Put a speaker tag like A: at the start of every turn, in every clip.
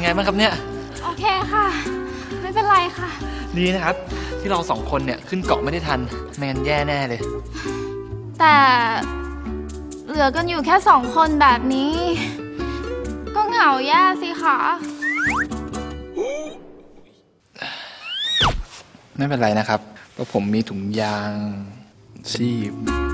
A: ไงบ้างครับเนี่ย
B: โอเคค่ะไม่เป็นไรค่ะ
A: ดีนะครับที่เรา2 คนเนี่ยขึ้นเกาะไม่ได้ทันไม่งั้นแย่แน่เลย
B: แต่เหลือกันอยู่แค่2 คนแบบนี้ก็เหงาแย่สิคะ
A: ไม่เป็นไรนะครับเพราะผมมีถุงยางชีพ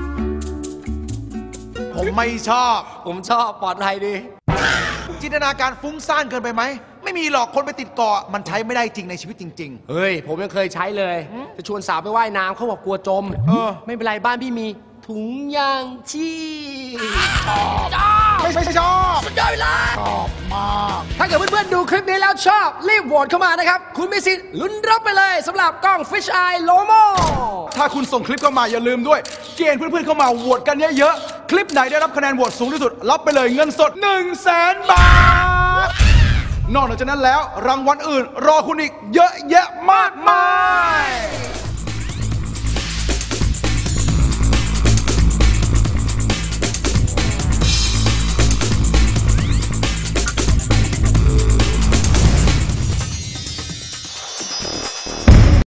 C: ผมไม่ชอบ
D: ผมชอบปลอดภัยดี
C: จินตนาการฟุ้งซ่านเกินไปไหมไม่มีหรอกคนไปติดเกาะมันใช้ไม่ได้จริงในชีวิตจริง
D: ๆเฮ้ยผมยังเคยใช้เลยจะชวนสาวไปว่ายน้ำเขาบอกกลัวจมไม่เป็นไรบ้านพี่มีถุงยางชีพ
C: ไม่ชอบ
D: สุดยอดเลยชอบมากถ้าเกิดเพื่อนๆดูคลิปนี้แล้วชอบรีบโหวตเข้ามานะครับคุณมีสิทธิ์ลุ้นรับไปเลยสำหรับกล้อง Fish Eye Lomo
C: ถ้าคุณส่งคลิปเข้ามาอย่าลืมด้วยเกณฑ์เพื่อนๆเข้ามาโหวตกันเยอะๆคลิปไหนได้รับคะแนนโหวตสูงที่สุดรับไปเลยเงินสด 100,000 บาทนอกจากนั้นแล้วรางวัลอื่นรอคุณอีกเยอะแยะมากมาย